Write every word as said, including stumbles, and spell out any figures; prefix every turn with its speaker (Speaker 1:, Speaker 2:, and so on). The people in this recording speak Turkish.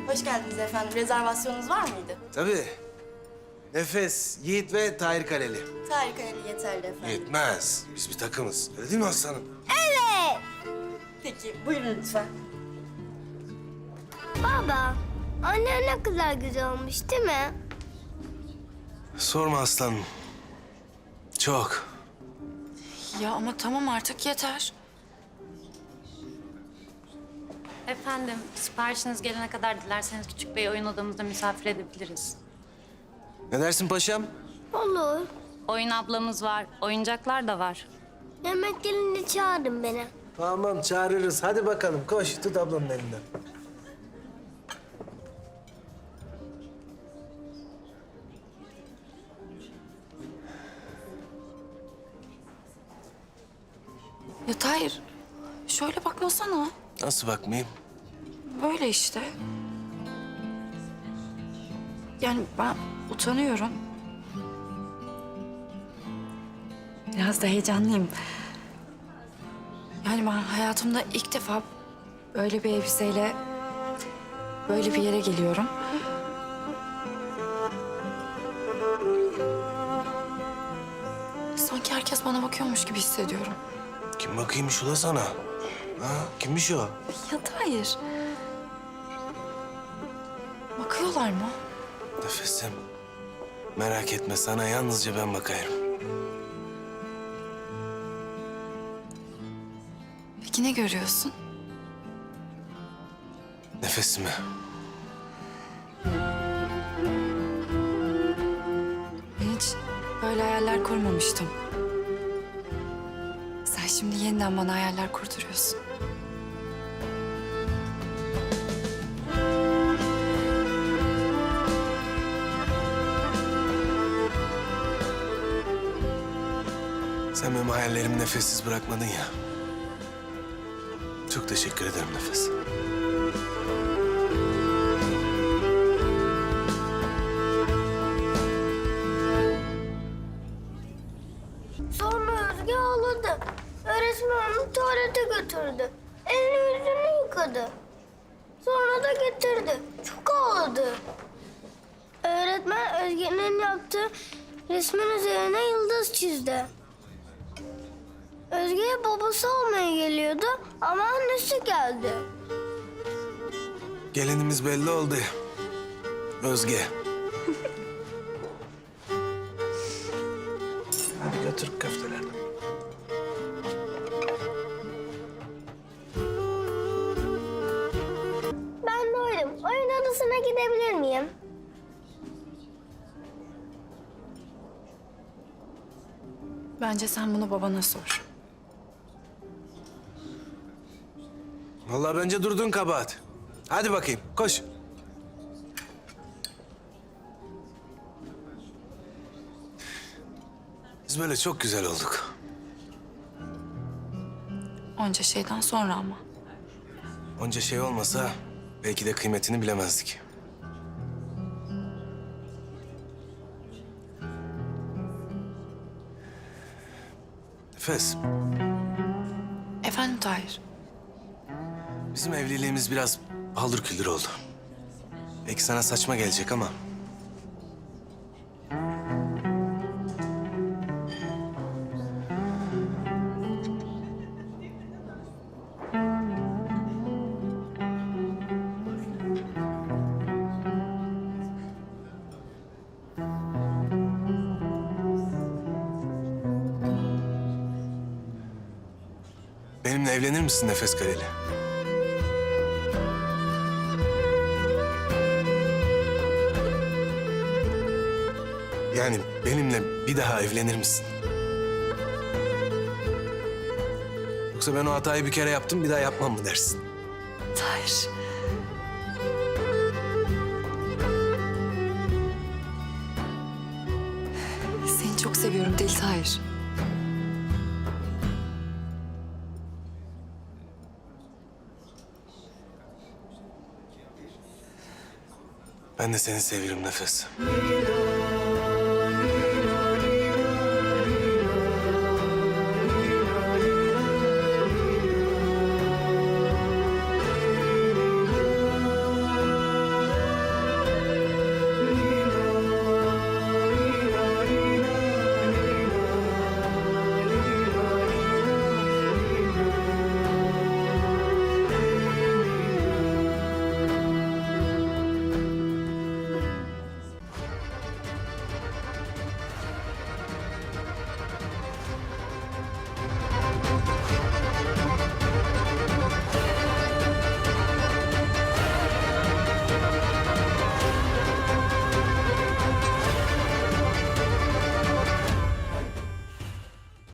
Speaker 1: Hoş geldiniz efendim. Rezervasyonunuz var mıydı?
Speaker 2: Tabii. Nefes, Yiğit ve Tahir Kaleli.
Speaker 1: Tahir Kaleli yeterli efendim.
Speaker 2: Yetmez. Biz bir takımız. Öyle değil mi aslanım?
Speaker 1: Peki, buyurun lütfen.
Speaker 3: Baba, anne ne kadar güzel olmuş değil mi?
Speaker 2: Sorma aslanım. Çok.
Speaker 4: Ya ama tamam artık yeter.
Speaker 5: Efendim, siparişiniz gelene kadar dilerseniz küçük bir oyun odamızda misafir edebiliriz.
Speaker 2: Ne dersin paşam?
Speaker 3: Olur.
Speaker 5: Oyun ablamız var, oyuncaklar da var.
Speaker 3: Yemek gelince çağırın beni.
Speaker 2: Tamam çağırırız. Hadi bakalım koş tut ablanın elinden.
Speaker 4: Ya Tahir, şöyle bakmasana.
Speaker 2: Nasıl bakmayayım?
Speaker 4: Böyle işte. Yani ben utanıyorum. Biraz da heyecanlıyım. Yani ben hayatımda ilk defa böyle bir elbiseyle böyle bir yere geliyorum. Sanki herkes bana bakıyormuş gibi hissediyorum.
Speaker 2: Kim bakıyormuş ula sana? Ha, kimmiş o?
Speaker 4: Ya Tahir. Bakıyorlar mı?
Speaker 2: Nefesim. Merak etme sana yalnızca ben bakayım.
Speaker 4: Peki ne görüyorsun?
Speaker 2: Nefesimi.
Speaker 4: Ben hiç böyle hayaller kurmamıştım. Sen şimdi yeniden bana hayaller kurduruyorsun.
Speaker 2: Sen benim hayallerimi nefessiz bırakmadın ya. Çok teşekkür ederim Nefes.
Speaker 3: Sonra Özge ağladı. Öğretmen onu tuvalete götürdü. Elini yüzünü yıkadı. Sonra da getirdi. Çok ağladı. Öğretmen Özge'nin yaptığı resmin üzerine yıldız çizdi. Özge'ye babası almaya geliyordu ama annesi geldi.
Speaker 2: Gelinimiz belli oldu. Özge. Hadi götür köftelerden.
Speaker 3: Ben doydum. Oyun odasına gidebilir miyim?
Speaker 4: Bence sen bunu babana sor.
Speaker 2: Vallahi bence durdun kabahat. Hadi bakayım koş. Biz böyle çok güzel olduk.
Speaker 4: Onca şeyden sonra ama.
Speaker 2: Onca şey olmasa belki de kıymetini bilemezdik. Nefes,
Speaker 4: Efendim Tahir.
Speaker 2: bizim evliliğimiz biraz paldır küldür oldu. Belki sana saçma gelecek ama... Benimle evlenir misin Nefes Kaleli? Yani benimle bir daha evlenir misin? Yoksa ben o hatayı bir kere yaptım, bir daha yapmam mı dersin?
Speaker 4: Tahir. Seni çok seviyorum Deli Tahir.
Speaker 2: Ben de seni seviyorum Nefes.